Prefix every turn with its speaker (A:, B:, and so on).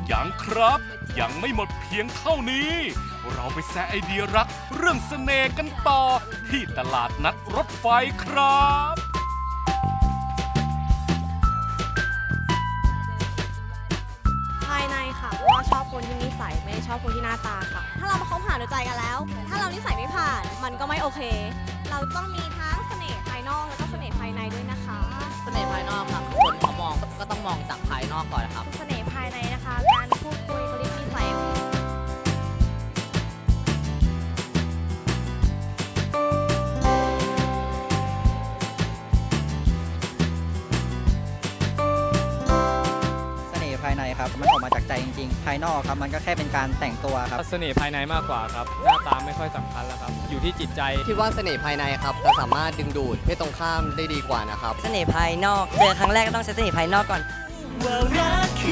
A: ยังครับยังไม่หมดเพียงเท่านี้ เราไปแซะไอเดียรักเรื่องเสน่ห์กันต่อ ที่ตลาดนัดรถไฟครับ
B: ภายในค่ะเพราะว่าชอบคนที่นิสัยไม่ได้ชอบคนที่หน้าตาค่ะ ถ้าเรามาคบหาดูใจกันแล้ว ถ้าเรานิสัยไม่ผ่านมันก็ไม่โอเค เราต้องมีทั้งเสน่ห์ภายนอกแล้วก็เสน่ห์ภายในด้วยนะคะ
C: เสน่ห์ภายนอกครับคนเขามองก็ต้องมองจากภายนอกก่อนนะครับ
B: เสน่ห์ภายในนะคะ การพูดคุยเขาเรียกนิสัย
D: เสน่ห์ภายในครับมันออกมาจากใจจริงๆ ภายนอกครับมันก็แค่เป็นการแต่งตัวครับ
E: เสน่ห์ภายในมากกว่าครับหน้าตาไม่ค่อยสำคัญแล้วครับอยู่ที่จิตใจ
C: คิดว่าเสน่ห์ภายในครับจะสามารถดึงดูดเพศตรงข้ามได้ดีกว่านะครับ
F: เสน่ห์ภายนอก เจอครั้งแรกก็ต้องใช้เสน่ห์ภายนอกก่อน
G: ว่ารัก